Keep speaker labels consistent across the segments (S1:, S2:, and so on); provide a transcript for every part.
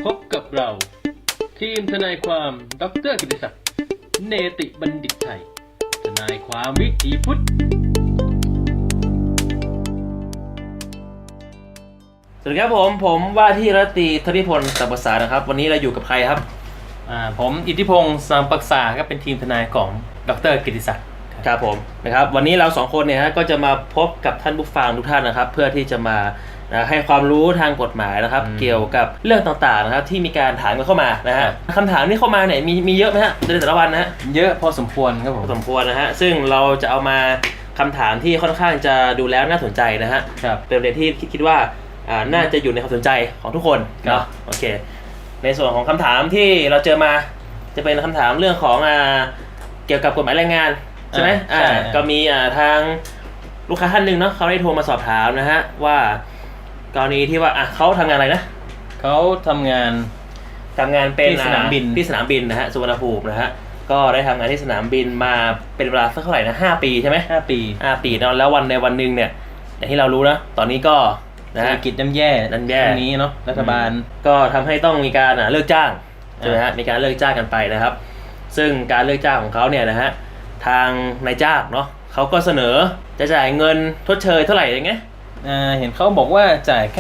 S1: พบกับเราทีมทนายความดร.กิติศักดิ์เนติบัณฑิตไทยทนายความวิถีพุทธ
S2: สวัสดีครับผมว่าที่รัตตรีธนิพนธ์สัมปสานะครับวันนี้เราอยู่กับใครครับ
S1: ผมอิทธิพงศ์สัมปษาครับเป็นทีมทนายของดร.กิติศักดิ์
S2: ครับผมนะครับวันนี้เราสองคนเนี่ยก็จะมาพบกับท่านผู้ฟังทุกท่านนะครับเพื่อที่จะมาให้ความรู้ทางกฎหมายนะครับเกี่ยวกับเรื่องต่างๆนะครับที่มีการถามกันเข้ามานะฮะคำถามที่เข้ามาเนี่ยมีเยอะไหมฮะในแต่ละวันนะฮะ
S1: เยอะพอสมควรครับผม
S2: สมควรนะฮะซึ่งเราจะเอามาคำถามที่ค่อนข้างจะดูแล้วน่าสนใจนะฮะเป็นประเด็นที่คิดว่าน่าจะอยู่ในความสนใจของทุกคนเนาะโอเคในส่วนของคำถามที่เราเจอมาจะเป็นคำถามเรื่องของเกี่ยวกับกฎหมายแรงงานใช่ไหมก็มีทางลูกค้าท่านหนึ่งเนาะเขาได้โทรมาสอบถามนะฮะว่ากรณีที่ว่าเขาทำงานอะไรนะ
S1: เขาทำงาน
S2: เป็น
S1: ที่สนามบิน
S2: นะฮะสุวรรณภูมินะฮะก็ได้ทำงานที่สนามบินมาเป็นเวลาสักเท่าไหร่นะ5 ปีใช่ไหม5 ปีเนาะแล้ววันหนึ่งเนี่ยอย่างที่เรารู้นะตอนนี้ก็
S1: เศรษฐกิจย่ำแย่นี้เนาะรัฐบาล
S2: ก็ทำให้ต้องมีการเลิกจ้างใช่ไหมฮะมีการเลิกจ้างกันไปนะครับซึ่งการเลิกจ้างของเขาเนี่ยนะฮะทางนายจ้างเนาะเขาก็เสนอจะจ่ายเงินทดเชยเท่าไหร่อย่างเงี้ย
S1: เห็นเขาบอกว่าจ่ายแค่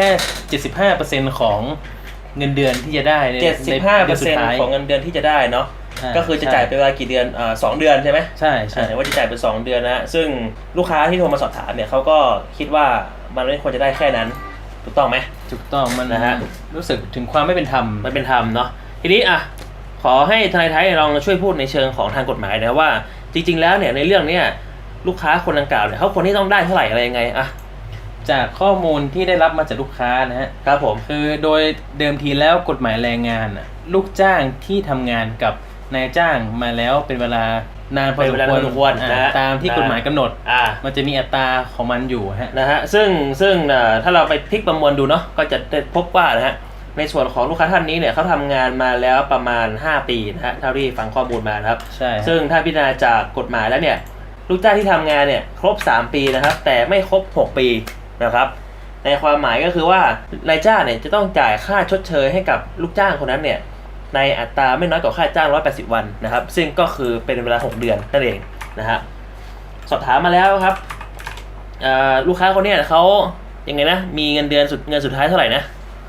S1: 75% ของเงินเดือนที่จะได้ใน
S2: 75% ของเงินเดือนที่จะได้เนาะก็คือจะจ่ายเป็นเวลากี่เดือน2 เดือนใช่ไหม
S1: ใช่
S2: ว่าจะจ่ายเป็น2 เดือนนะซึ่งลูกค้าที่โทรมาสอบถามเนี่ยเขาก็คิดว่ามันไม่ควรจะได้แค่นั้นถูกต้องไหม
S1: ถูกต้องมันนะฮะรู้สึกถึงความไม่เป็นธรรม
S2: เนาะทีนี้ขอให้ทนายไทยลองช่วยพูดในเชิงของทางกฎหมายนะว่าจริงๆแล้วเนี่ยในเรื่องเนี้ยลูกค้าคนดังกล่าวเนี่ยเขาควรที่ต้องได้เท่าไหร่อะไรยังไง
S1: จากข้อมูลที่ได้รับมาจากลูกค้านะฮะ
S2: ครับผม
S1: คือโดยเดิมทีแล้วกฎหมายแรงงานลูกจ้างที่ทำงานกับนายจ้างมาแล้วเป็นเวลานานพอสมควรตามที่กฎหมายกำหนดมันจะมีอัตราของมันอยู่
S2: นะฮะซึ่งถ้าเราไปพลิกประมวลดูเนาะก็จะพบว่านะฮะในส่วนของลูกค้าท่านนี้เนี่ยเขาทำงานมาแล้วประมาณ5 ปีนะฮะเท่าที่ฟังข้อมูลมานะครับ
S1: ใช่
S2: ซึ่งถ้าพิจารณาจากกฎหมายแล้วเนี่ยลูกจ้างที่ทำงานเนี่ยครบ3 ปีนะครับแต่ไม่ครบ6 ปีนะครับในความหมายก็คือว่านายจ้างเนี่ยจะต้องจ่ายค่าชดเชยให้กับลูกจ้างคนนั้นเนี่ยในอัตราไม่น้อยกว่าค่าจ้าง180 วันนะครับซึ่งก็คือเป็นเวลา6 เดือนนั่นเองนะฮะสอบถามมาแล้วครับลูกค้าคนนี้เขายังไงนะมีเงินเดือนเงินสุดท้ายเท่าไหร่นะ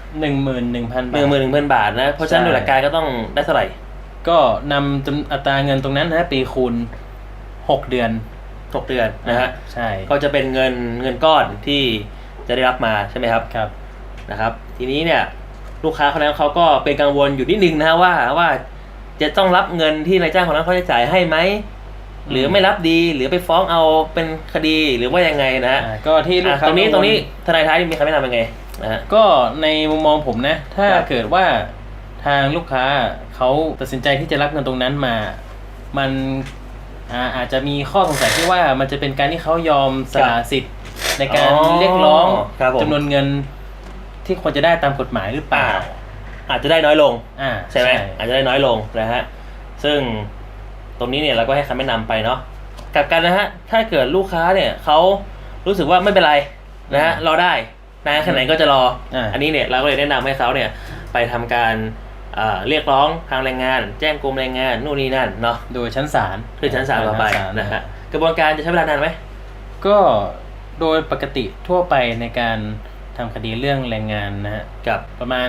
S1: 11,000
S2: บาทนะเพราะฉะนั้นโดยหลักการก็ต้องได้เท่าไหร่
S1: ก็นำอัตราเงินตรงนั้นนะปีคูณ6 เดือน
S2: นะฮะ
S1: ใช่
S2: ก็จะเป็นเงินก้อนที่จะได้รับมาใช่ไหมครับ
S1: ครับ
S2: นะครับทีนี้เนี่ยลูกค้าคนนั้นเขาก็เป็นกังวลอยู่นิดนึงนะว่าจะต้องรับเงินที่นายจ้างคนนั้นเขาจะจ่ายให้ไหมหรือไม่รับดีหรือไปฟ้องเอาเป็นคดีหรือว่ายังไงนะ
S1: ก็ที่ลูกค้า
S2: ตรงนี้ทนายท้ายมีคำแนะนำยังไง
S1: ก็ในมุมมองผมนะถ้าเกิดว่าทางลูกค้าเขาตัดสินใจที่จะรับเงินตรงนั้นมามันอาจจะมีข้อสงสัยที่ว่ามันจะเป็นการที่เขายอมสละสิทธิ์ในการเรียกร้องจำนวนเงินที่ควรจะได้ตามกฎหมายหรือเปล่า
S2: อาจจะได้น้อยลงใช่ไหมอาจจะได้น้อยลงนะฮะซึ่งตรงนี้เนี่ยเราก็ให้คำแนะนำไปเนาะกลับกันนะฮะถ้าเกิดลูกค้าเนี่ยเขารู้สึกว่าไม่เป็นไรนะฮะรอได้นะแค่ไหนก็จะรออันนี้เนี่ยเราก็เลยแนะนำให้เขาเนี่ยไปทำการเรียกร้องทางแรงงานแจ้งกรมแรงงานนู่นนี่นั่นเนาะ
S1: โดยชั้นศาล
S2: ต่อไปนะฮะกระบวนการจะใช้เวลานานไหม
S1: ก็โดยปกติทั่วไปในการทำคดีเรื่องแรงงานนะฮะ
S2: กับ
S1: ประมาณ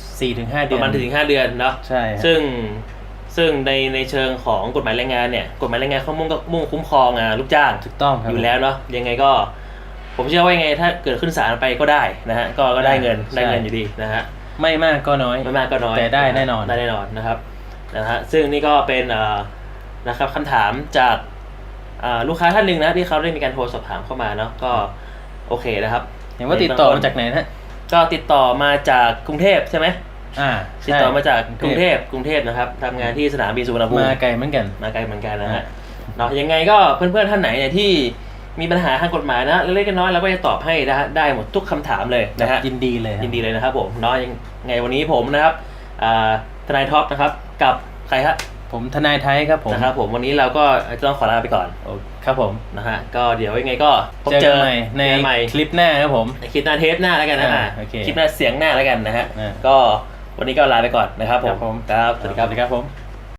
S1: 4-5 เดือน
S2: ประมาณ 4-5 เดือนเนาะ
S1: ใช่
S2: ซึ่งในเชิงของกฎหมายแรงงานเนี่ยกฎหมายแรงงานเขามุ่งคุ้มครองลูกจ้าง
S1: ถูกต้องครับ
S2: อยู่แล้วเนาะยังไงก็ผมเชื่อว่ายังไงถ้าเกิดขึ้นศาลไปก็ได้นะฮะก็ได้เงินอยู่ดีนะฮะ
S1: ไม่มากก็น้อยแต่ได้แน่นอน
S2: นะครับซึ่งนี่ก็เป็นนะครับคำถามจากลูกค้าท่านหนึ่งนะที่เขาได้มีการโทรสอบถามเข้ามาเนาะก็โอเคนะครับ
S1: เห็นว่าติดต่อมาจากไหนนะ
S2: ก็ติดต่อมาจากกรุงเทพใช่ไหมติดต่อมาจากกรุงเทพนะครับทำงานที่สนามบินสุวรรณภูมิ
S1: มาไกลเหมือนกัน
S2: นะฮะเนาะยังไงก็เพื่อนๆท่านไหนเนี่ยที่มีปัญหาทางกฎหมายนะเล็กๆน้อยๆเราก็จะตอบให้นะฮะได้หมดทุกคำถามเลยนะฮะ
S1: ยินดีเลย
S2: นะครับผมเนาะยังไงวันนี้ผมนะครับทนายท็อปนะครับกับใครครับ
S1: ผมทนายไทยครับผม
S2: นะครับผมวันนี้เราก็จะต้องขอลาไปก่อน
S1: ครับผม
S2: นะฮะก็เดี๋ยวยังไงก็
S1: เจอใหม่ในคลิปหน้าครับผม
S2: คลิปหน้าเทปหน้าแล้วกันนะคลิปหน้าเสียงหน้าแล้วกันนะฮะก็วันนี้ก็ลาไปก่อนนะครับผม
S1: ครับผม
S2: ครับสวัสดีครับ
S1: สวัสดีครับผม